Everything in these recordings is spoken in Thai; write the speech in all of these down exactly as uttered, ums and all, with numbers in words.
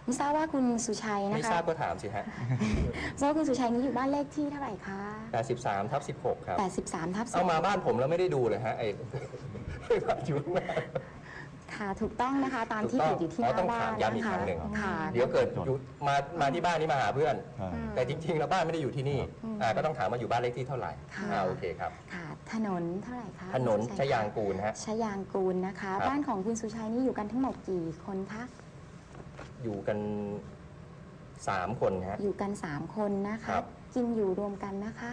ไม่ทราบว่าคุณสุชัยนะคะไม่ทราบก็ถามสิฮะทราบว่าคุณสุชัยนี้อยู่บ้านเลขที่เท่าไหร่คะแปดสิบสามทับสิบหกครับแปดสิบสามทับสิบเอามาบ้านผมแล้วไม่ได้ดูเลยฮะไอ้อยู่ข้างหน้าค่ะถูกต้องนะคะตามที่ติดอยู่ที่หน้าบ้านนะคะค่ะเดี๋ยวเกิดอยู่มามาที่บ้านนี้มาหาเพื่อน แต่จริงๆแล้วบ้านไม่ได้อยู่ที่นี่ก็ต้องถามว่าอยู่บ้านเลขที่เท่าไหร่อ่าโอเคครับค่ะถนนเท่าไหร่คะถนนชยางกูลฮะชยางกูลนะคะบ้านของคุณสุชัยนี่อยู่กันทั้งหมดกี่คนคะอยู่กันสามคนฮะอยู่กันสามคนนะคะกินอยู่รวมกันนะคะ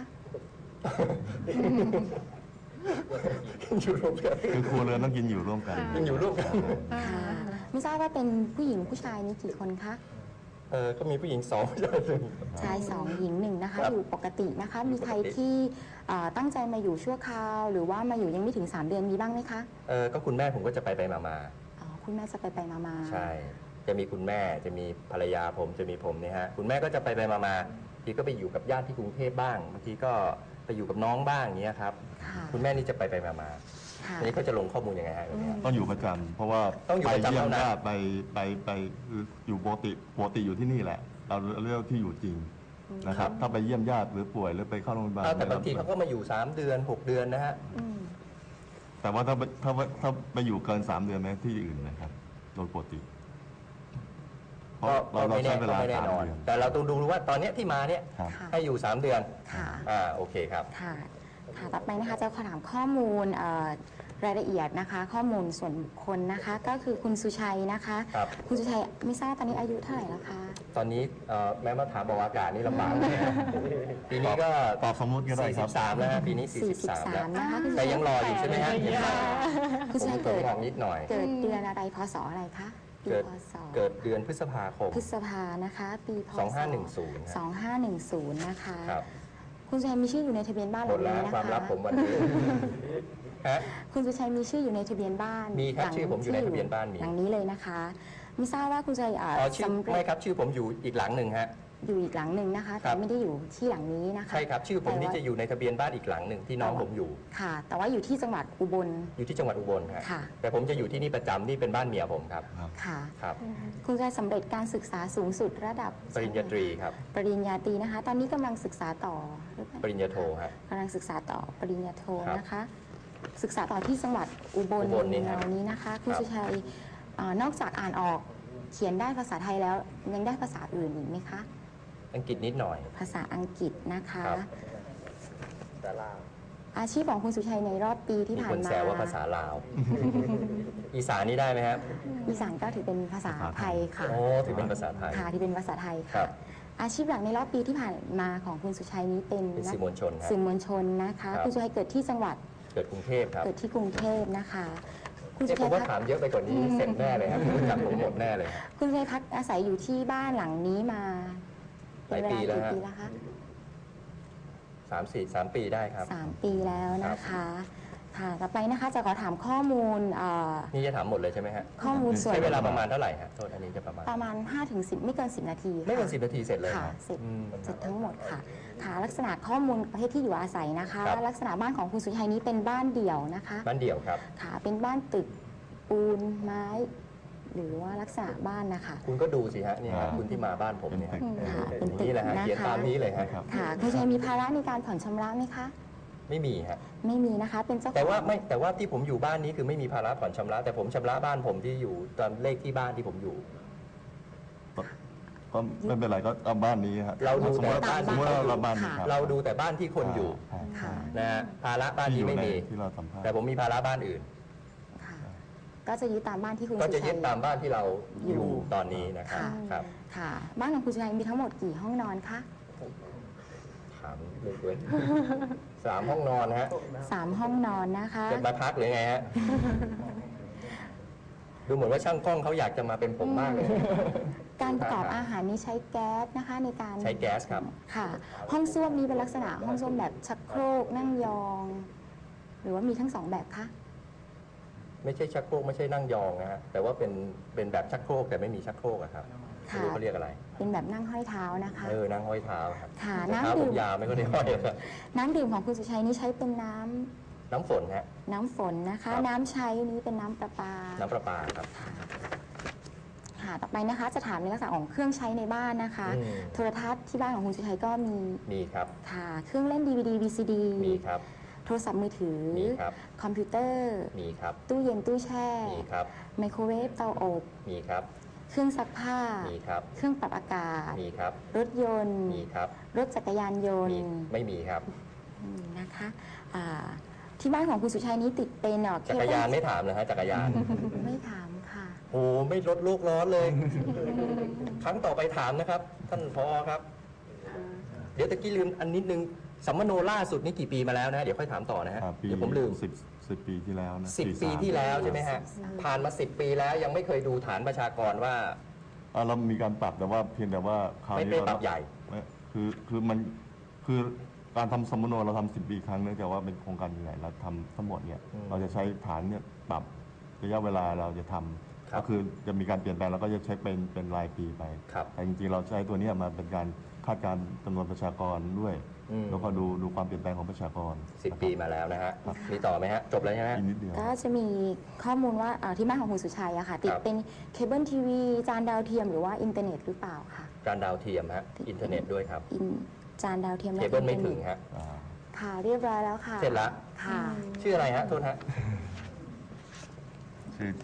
อยู่ร่วมกันคือครัวเรือนต้องกินอยู่ร่วมกันกินอยู่ร่วมกันค่ะไม่ทราบว่าเป็นผู้หญิงผู้ชายนี่กี่คนคะเออก็มีผู้หญิงสองชายหนึ่งชายสองหญิงหนึ่งนะคะอยู่ปกตินะคะมีใครที่ตั้งใจมาอยู่ชั่วคราวหรือว่ามาอยู่ยังไม่ถึงสามเดือนมีบ้างไหมคะเออก็คุณแม่ผมก็จะไปไปมามาอ๋อคุณแม่จะไปไปมามาใช่จะมีคุณแม่จะมีภรรยาผมจะมีผมเนี่ยฮะคุณแม่ก็จะไปไปมามาทีก็ไปอยู่กับญาติที่กรุงเทพบ้างบางทีก็ไปอยู่กับน้องบ้างอย่างเงี้ยครับคุณแม่นี่จะไปไปมามาอันนี้เขาจะลงข้อมูลยังไงฮะแบบนี้ต้องอยู่ประจำเพราะว่าไปเยี่ยมญาติไปไปไปอยู่ปกติปกติอยู่ที่นี่แหละเราเรียกที่อยู่จริงนะครับถ้าไปเยี่ยมญาติหรือป่วยหรือไปเข้าโรงพยาบาลแต่บางทีเขาก็มาอยู่สามเดือนหกเดือนนะฮะแต่ว่าถ้าถ้าถ้าไปอยู่เกินสามเดือนไหมที่อื่นนะครับโดยปกติเพราะเราเราใช้เวลาสามเดือนแต่เราต้องดูว่าตอนนี้ที่มาเนี่ยให้อยู่สามเดือนค่ะอ่าโอเคครับค่ะค่ะต่อไปนะคะจะขอถามข้อมูลรายละเอียดนะคะข้อมูลส่วนบุคคลนะคะก็คือคุณสุชัยนะคะคุณสุชัยไม่ทราบตอนนี้อายุเท่าไหร่แล้วคะตอนนี้แม้มาถามบอกอากาศนี่ลำบากปีนี้ก็ตอบสมมติก็ได้ครับสี่สิบสามแล้วปีนี้สี่สิบสามแล้วแต่ยังรออยู่ใช่ไหมฮะคุณสุชัยเกิดนิดหน่อยเกิดเดือนอะไรพศอะไรคะเกิดเกิดเดือนพฤษภาคมพฤษภานะคะปีพศสองห้าหนึ่งศูนย์สองห้าหนึ่งศูนย์นะคะคุณสุชัยมีชื่ออยู่ในทะเบียนบ้านหลังนี้นะคะความลับผมวันนี้คุณสุชัยมีชื่ออยู่ในทะเบียนบ้านมีครับชื่อผมอยู่ในทะเบียนบ้านมีหลังนี้เลยนะคะไม่ทราบว่าคุณสุชัยอ๋อชื่อไม่ครับชื่อผมอยู่อีกหลังหนึ่งฮะอยู่อีกหลังหนึ่งนะคะแต่ไม่ได้อยู่ที่หลังนี้นะคะใช่ครับชื่อผมนี่จะอยู่ในทะเบียนบ้านอีกหลังหนึ่งที่น้องผมอยู่ค่ะแต่ว่าอยู่ที่จังหวัดอุบลอยู่ที่จังหวัดอุบลครับแต่ผมจะอยู่ที่นี่ประจำนี่เป็นบ้านเมียผมครับค่ะครับคุณสุชัยสำเร็จการศึกษาสูงสุดระดับปริญญาตรีครับปริญญาตรีนะคะตอนนี้กำลังศึกษาต่อปริญญาโทครับกำลังศึกษาต่อปริญญาโทนะคะศึกษาต่อที่จังหวัดอุบลเรานี้นะคะคุณสุชัยนอกจากอ่านออกเขียนได้ภาษาไทยแล้วยังได้ภาษาอื่นอีกไหมคะอังกฤษนิดหน่อยภาษาอังกฤษนะคะอาชีพของคุณสุชัยในรอบปีที่ผ่านมามีคนแซวว่าภาษาลาวอีสานนี่ได้ไหมครับอีสานก็ถือเป็นภาษาไทยค่ะโอ้ถือเป็นภาษาไทยค่ะที่เป็นภาษาไทยค่ะอาชีพหลักในรอบปีที่ผ่านมาของคุณสุชัยนี้เป็นสื่อมวลชนสื่อมวลชนนะคะคุณสุชัยเกิดที่จังหวัดเกิดกรุงเทพครับเกิดที่กรุงเทพนะคะคุณสุชัยผมว่าถามเยอะไปกว่านี้เสร็จแน่เลยครับรู้จักผมหมดแน่เลยคุณสุชัยพักอาศัยอยู่ที่บ้านหลังนี้มาหลายปีแล้วฮะสามสี่สามปีได้ครับสามปีแล้วนะคะค่ะต่อไปนะคะจะขอถามข้อมูลนี่จะถามหมดเลยใช่ไหมฮะข้อมูลส่วนใช้เวลาประมาณเท่าไหร่ฮะโทษอันนี้จะประมาณประมาณห้าถึงสิบไม่เกินสิบนาทีไม่เกินสิบนาทีเสร็จเลยค่ะเสร็จเสร็จทั้งหมดค่ะค่ะลักษณะข้อมูลประเภทที่อยู่อาศัยนะคะลักษณะบ้านของคุณสุชัยนี้เป็นบ้านเดี่ยวนะคะบ้านเดี่ยวครับค่ะเป็นบ้านตึกปูนไม้หรือว่าลักษณะบ้านนะคะคุณก็ดูสิฮะนี่ฮะคุณที่มาบ้านผมเนี่ยเป็นนี่แหละฮะเขียนตามนี้เลยฮะค่ะคุณชัยมีภาระในการผ่อนชำระไหมคะไม่มีฮะไม่มีนะคะเป็นเจ้าแต่ว่าไม่แต่ว่าที่ผมอยู่บ้านนี้คือไม่มีภาระผ่อนชำระแต่ผมชำระบ้านผมที่อยู่ตามเลขที่บ้านที่ผมอยู่ก็ไม่เป็นไรก็เอาบ้านนี้ครับเราดูแต่บ้านสมมติเราบ้านนี้เราดูแต่บ้านที่คนอยู่นะฮะภาระบ้านนี้ไม่มีแต่ผมมีภาระบ้านอื่นก็จะยึดตามบ้านที่คุณก็จะยึดตามบ้านที่เราอยู่ตอนนี้นะครับครับค่ะบ้านของคุณสุชัยมีทั้งหมดกี่ห้องนอนคะถามเลยเว้ยสามห้องนอนฮะสามห้องนอนนะคะจะมาพักหรือไงฮะดูเหมือนว่าช่างกล้องเขาอยากจะมาเป็นผมมากเลยการประกอบอาหารนี้ใช้แก๊สนะคะในการใช้แก๊สครับค่ะห้องส้วมนี้เป็นลักษณะห้องส้วมแบบชักโครกนั่งยองหรือว่ามีทั้งสองแบบคะไม่ใช่ชักโครกไม่ใช่นั่งยองนะฮะแต่ว่าเป็นเป็นแบบชักโครกแต่ไม่มีชักโครกอะครับไม่รู้เขาเรียกอะไรเป็นแบบนั่งห้อยเท้านะคะเออนั่งห้อยเท้าครับค่ะน้ำดื่มยาไม่ก็ได้ห้อยครับน้ำดื่มของคุณสุชัยนี้ใช้เป็นน้ำน้ำฝนฮะน้ำฝนนะคะน้ำใช้นี้เป็นน้ำประปาน้ำประปาครับค่ะค่ะต่อไปนะคะจะถามในลักษณะของเครื่องใช้ในบ้านนะคะอืมโทรทัศน์ที่บ้านของคุณสุชัยก็มีมีครับค่ะเครื่องเล่น ดี วี ดี วี ซี ดีมีครับโทรศัพท์มือถือมีครับคอมพิวเตอร์มีครับตู้เย็นตู้แช่มีครับไมโครเวฟเตาอบมีครับเครื่องซักผ้ามีครับเครื่องปรับอากาศมีครับรถยนต์มีครับรถจักรยานยนมีต์ไม่มีครับอืมนะคะอ่าที่บ้านของคุณสุชัยนี้ติดเป็นเอ่อเคจักรเบิลยานไม่ถามเลยฮะจักรยานไม่ถามค่ะโอ้ไม่ลดโลกร้อนเลย ครั้งต่อไปถามนะครับ ท่านพอครับ เดี๋ยวตะกี้ลืมอันนิดนึงสัมมโนล่าสุดนี่กี่ปีมาแล้วนะ เดี๋ยวค่อยถามต่อนะฮะอ่าปีเดี๋ยวผมลืมสิบสิบปีที่แล้วนะสิบปีที่แล้วใช่ไหมฮะ ผ่านมาสิบปีแล้วยังไม่เคยดูฐานประชากรว่าอ่าเรามีการปรับแต่ว่าเพียงแต่ว่าคราวไม่นี้ไม่เราปรับใหญ่ไม่คือคือมันคือการทำสมมโนเราทำสิบปีครั้งเนื่องจากว่าเป็นโครงการใหญ่เราทำทั้งหมดเนี่ยอืมเราจะใช้ฐานเนี่ยปรับระยะเวลาเราจะทำครับก็คือจะมีการเปลี่ยนแปลงแล้วก็จะเช็คเป็นเป็นรายปีไปครับแต่จริงๆเราใช้ตัวเนี้ยมาเป็นการคาดการณ์จำนวนประชากรด้วยอืมแล้วก็ดูดูความเปลี่ยนแปลงของประชากรสิบปีมาแล้วนะฮะ มีต่อไหมฮะ จบแล้วใช่ไหมอีกนิดเดียวก็จะมีข้อมูลว่าเอ่อที่บ้านของคุณสุชัยอะค่ะ ติดครับเป็นเคเบิลทีวีจานดาวเทียมหรือว่าอินเทอร์เน็ตหรือเปล่าค่ะการดาวเทียมฮะ อินเทอร์เน็ตด้วยครับอินจานดาวเทียมเคและเบิลไม่อินทอถึร์งเน็ตฮะอ่าค่ะเรียบร้อยแล้วค่ะเสร็จแล้วค่ะชื่ออะไรฮะ โทษฮะชื่อน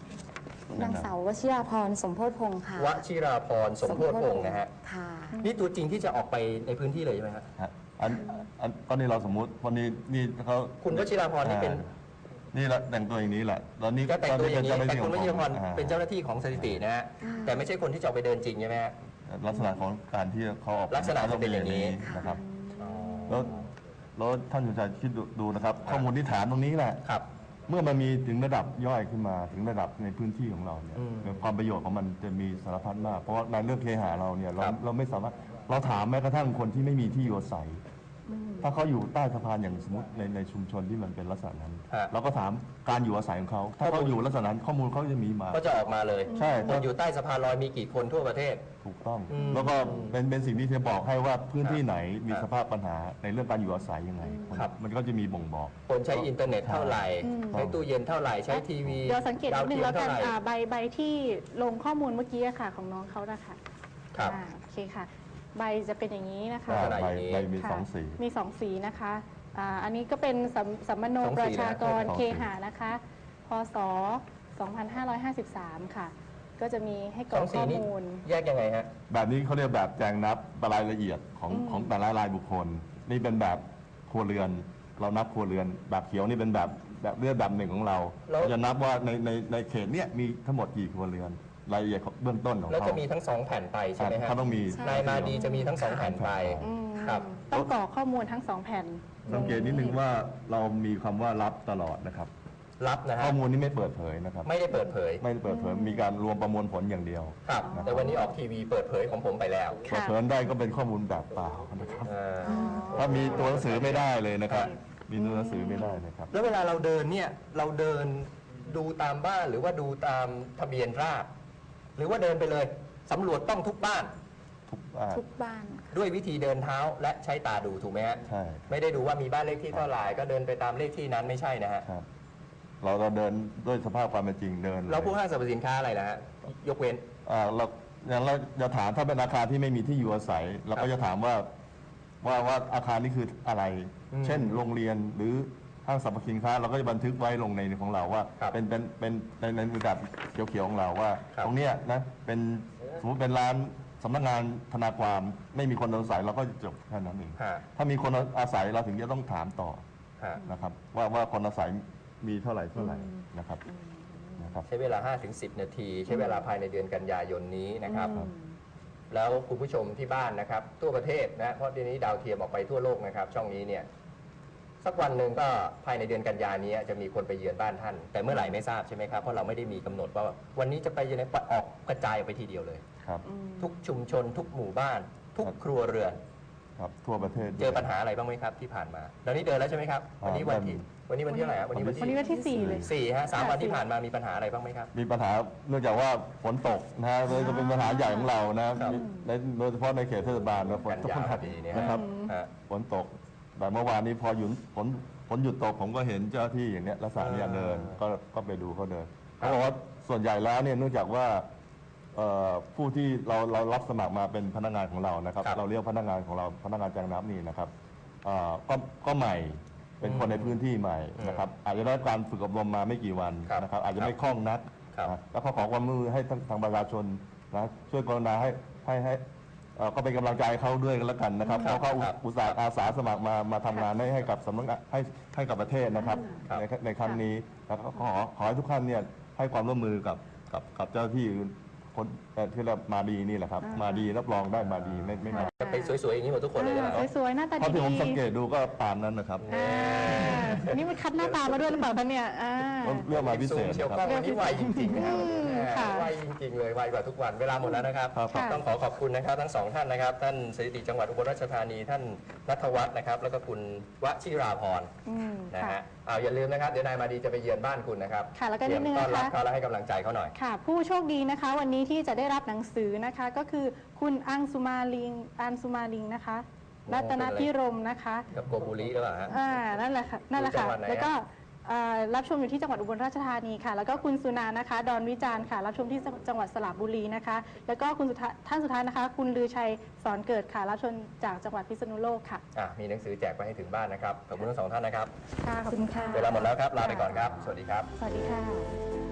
างสาววชิราพรสมโพธิพงศ์ค่ะวชิราพรสมโพธิพงศ์นะฮะค่ะนี่ตัวจริงที่จะออกไปในพื้นที่เลยใช่ไหมฮะฮะอันอันตอนนี้เราสมมุติวันนี้นี่เขาคุณวชิราพรนี่เป็นอ่านี่ละแต่งตัวอย่างนี้แหละแล้วนี่ก็แต่งตัวอย่างนี้เป็แต่เจ้คุณวชิราพรอ่เป็นเจ้าหน้าที่ของสถิตินะฮะอ่าแต่ไม่ใช่คนที่จะออกไปเดินจริงใช่ไหมฮะลักษณะของการที่เขาออกลักษณะจะเป็นอย่างนี้นะครับแล้วแล้วท่านสุชัยคิดดูดูนะครับ ข้อมูลที่ฐานตรงนี้แหละครับเมื่อมันมีถึงระดับย่อยขึ้นมาถึงระดับในพื้นที่ของเราเนี่ยอืมความประโยชน์ของมันจะมีสารพัดมาก เพราะว่าในเรื่องเคหะเราเนี่ยเราครับเราไม่สามารถเราถามแม้กระทั่งคนที่ไม่มีที่อยู่อาศัย ถ้าเขาอยู่ใต้สะพานอย่างสมมติในในชุมชนที่มันเป็นลักษณะนั้นฮะเราก็ถามการอยู่อาศัยของเขา ถ้าเขาอยู่ลักษณะนั้นข้อมูลเขาจะมีมาก็จะออกมาเลยใช่คนอยู่ใต้สะพานลอยมีกี่คนทั่วประเทศถูกต้องอืมแล้วก็เป็นเป็นสิ่งที่จะบอกให้ว่าพื้นที่ไหนมีครับสภาพปัญหาในเรื่องการอยู่อาศัยยังไงครับมันก็จะมีบ่งบอกคนใช้อินเทอร์เน็ตเท่าไหร่อืมใช้ตู้เย็นเท่าไหร่ ใช้ทีวีเดี๋ยวสังเกตนิดนึงดาแล้วเทียมกันเท่าไหร่อ่าใบใบที่ลงข้อมูลเมื่อกี้อะค่ะของน้องเขานะคะครับอ่าโอเคค่ะ ใบจะเป็นอย่างนี้นะคะลักษณะใบอย่างนี้ใบมีค่ะสองสีมีสองสีนะคะอ่าอันนี้ก็เป็นสัมสัมมโนสองสีนะประชากรสองสีเคหะนะคะ พศ สองพันห้าร้อยห้าสิบสาม ค่ะ ก็จะมีให้กสรออก งสีข้อนี้มูลแยกยังไงฮะแบบนี้เขาเรียกแบบแจงนับรายละเอียดของอืมของแต่ละรายบุคคล นี่เป็นแบบครัวเรือน เรานับครัวเรือน แบบเขียวนี่เป็นแบบแบบเลือดแบบหนึ่งของเราแล้วเราจะนับว่าในในในเขตเนี้ยมีทั้งหมดกี่ครัวเรือน รายละเอียดของเบื้องต้นของแล้วเขาจะมีทั้งสองแผ่นไปใช่ไหมฮะเขาต้องมีใช่นายมาดีจะมีทั้งสองแผ่นไปอืมครับต้องกรอกข้อมูลทั้งสองแผ่นสังเกตนิดนึงว่าเรามีคำว่ารับตลอดนะครับรับนะฮะข้อมูลนี้ไม่เปิดเผยนะครับไม่ได้เปิดเผยไม่ได้เปิดเผยมีการรวมประมวลผลอย่างเดียวครับ แต่วันนี้ออกทีวีเปิดเผยของผมไปแล้วเปิดเผยได้ก็เป็นข้อมูลแบบเปล่านะครับเออถ้ามีตัวหนังสือไม่ได้เลยนะครับ มีตัวหนังสือไม่ได้นะครับแล้วเวลาเราเดินเนี่ยเราเดินดูตามบ้านหรือว่าดูตามทะเบียนราษฎร์หรือว่าเดินไปเลยสำรวจต้องทุกบ้านทุกบ้านทุกบ้านค่ะด้วยวิธีเดินเท้าและใช้ตาดูถูกไหมฮะใช่ไม่ได้ดูว่ามีบ้านเลขที่เท่าไหร่ก็เดินไปตามเลขที่นั้นไม่ใช่นะฮะครับ เราเราเดินด้วยสภาพความเป็นจริงเดินเลยแล้วผู้ห้างสรรพสินค้าอะไรนะฮะยกเว้นอ่าเราอย่างเราจะถามถ้าเป็นอาคารที่ไม่มีที่อยู่อาศัย เราก็จะถามว่าว่าว่าอาคารนี้คืออะไรอืมเช่น โรงเรียนหรือห้างสรรพสินค้า เราก็จะบันทึกไว้ลงในของเราว่าครับเป็นเป็นเป็นในในระดับเขียวๆของเราว่าครับตรงเนี้ยนะเป็นสมมติเป็นร้านสำนักงานธนาความไม่มีคนอาศัยเราก็จบแค่นั้นเองฮะถ้ามีคนอาศัยเราถึงจะต้องถามต่อฮะนะครับ ว่าว่าคนอาศัยมีเท่าไหร่เท่าไหร่นะครับนะครับใช้เวลา ห้าถึงสิบ นาที ใช้เวลาภายในเดือนกันยายนนี้นะครับอืมแล้วคุณผู้ชมที่บ้านนะครับทั่วประเทศนะเพราะเดี๋ยวนี้ดาวเทียมออกไปทั่วโลกนะครับ ช่องนี้เนี่ยสักวันหนึ่งก็ภายในเดือนกันยานี้จะมีคนไปเยือนบ้านท่าน แต่เมื่อไหร่ไม่ทราบใช่ไหมครับเพราะเราไม่ได้มีกำหนดว่าวันนี้จะไปยังไงออกกระจายออกไปทีเดียวเลยครับทุกชุมชน ทุกหมู่บ้าน ทุกครัวเรือนครับทั่วประเทศเจอปัญหาอะไรบ้างไหมครับที่ผ่านมาตอนนี้เดินแล้วใช่ไหมครับวันนี้วันที่วันนี้วันที่เท่าไหร่ครับวันนี้วันวันนี้ที่วันที่สี่เลยสี่ฮะสามวันที่ผ่านมามีปัญหาอะไรบ้างไหมครับมีปัญหาเนื่องจากว่าฝนตกนะฮะเลยจะเป็นปัญหาใหญ่ของเรานะครับ ในโดยเฉพาะในเขตเทศบาลนะฝนกันตกยาพอดีเนี่ยนะครับฮะฝนตกแต่เมื่อวานนี้พอหยุดฝนฝนหยุดตกผมก็เห็นเจ้าหน้าที่อย่างเนี้ยลักษณะเนี้ยอ่าเดินก็ก็ไปดูเขาเดินครับเขาบอกว่าส่วนใหญ่แล้วเนี่ยเนื่องจากว่าเอ่อผู้ที่เราเรารับสมัครมาเป็นพนักงานของเรานะครับครับเราเรียกพนักงานของเราพนักงานแจงน้ำนี่นะครับเอ่อก็ก็ใหม่เป็นคนในพื้นที่ใหม่นะครับอาจจะได้รับการฝึกอบรมมาไม่กี่วันครับนะครับอาจจะไม่คล่องนักครับนะแล้วก็ขอความร่วมมือให้ทางทางประชาชนนะช่วยกรุณาให้ให้ให้เอ่อก็เป็นกำลังใจให้เขาด้วยกันแล้วกันนะครับครับเพราะเขาอุครับอุตส่าห์อาสาสมัครมามาทำงานให้ให้กับสำนักงานให้ให้กับประเทศนะครับครับในในครั้งนี้แล้วก็ขอขอให้ทุกท่านเนี่ยให้ความร่วมมือกับกับกับเจ้าหน้าที่คนเอ่อที่เรามาดีนี่แหละครับอ่ามมาดีรับรองได้มาดีไม่ไม่มาจะไปสวยๆอย่างนี้หมดทุกคนเลยใช่ไหมอ่าสวยๆหน้าตาเพราะที่ผมดีสังเกตดูก็ปานนั้นนะครับๆอ่าอันนี้มันคัดหน้าตามาด้วยหรือเปล่าคะเนี่ยอ่าเรื่องมาพิเศษเชียวนะกคล้รัอบ งวันนี้ไวจริงๆนะครับอืมแหมค่ะไวจริงๆเลยไวกว่าทุกวันเวลาหมดแล้วนะครับครับครับต้องขอขอบคุณนะครับทั้งสองท่านนะครับ ท่านสถิติจังหวัดอุบลราชธานีท่านนัทวัฒน์นะครับ แล้วก็คุณวชิราพรอืมนะค่ะฮะเอาอย่าลืมนะครับเดี๋ยวนายมาดีจะไปเยือนบ้านคุณนะครับค่ะแล้วก็เตรียมนิดนึงต้อนรับนะคะเขาและให้กำลังใจเขาหน่อยค่ะ ผู้โชคดีนะคะ วันนี้ที่จะได้รับหนังสือนะคะ ก็คือคุณอังสุมาลิงอังสุมาลิงนะคะโอ้รัตนพิรมย์นะคะกับโกบุรีหรือเปล่าฮะอ่านั่นแหละค่ะนั่นแหละค่ะอยู่จังหวัดไหนฮะแล้วก็เอ่อรับชมอยู่ที่จังหวัดอุบลราชธานีค่ะ แล้วก็คุณสุนานะคะ ดอนวิจารณ์ค่ะ รับชมที่จังหวัดสระบุรีนะคะ แล้วก็คุณสุดท้ายท่านสุดท้ายนะคะ คุณลือชัยสอนเกิดค่ะ รับชมจากจังหวัดพิษณุโลกค่ะอ่ะมีหนังสือแจกไปให้ถึงบ้านนะครับขอบคุณทั้งสองท่านนะครับค่ะ ขอบคุณค่ะเวลาหมดแล้วครับลาไปก่อนครับ สวัสดีครับสวัสดีค่ะ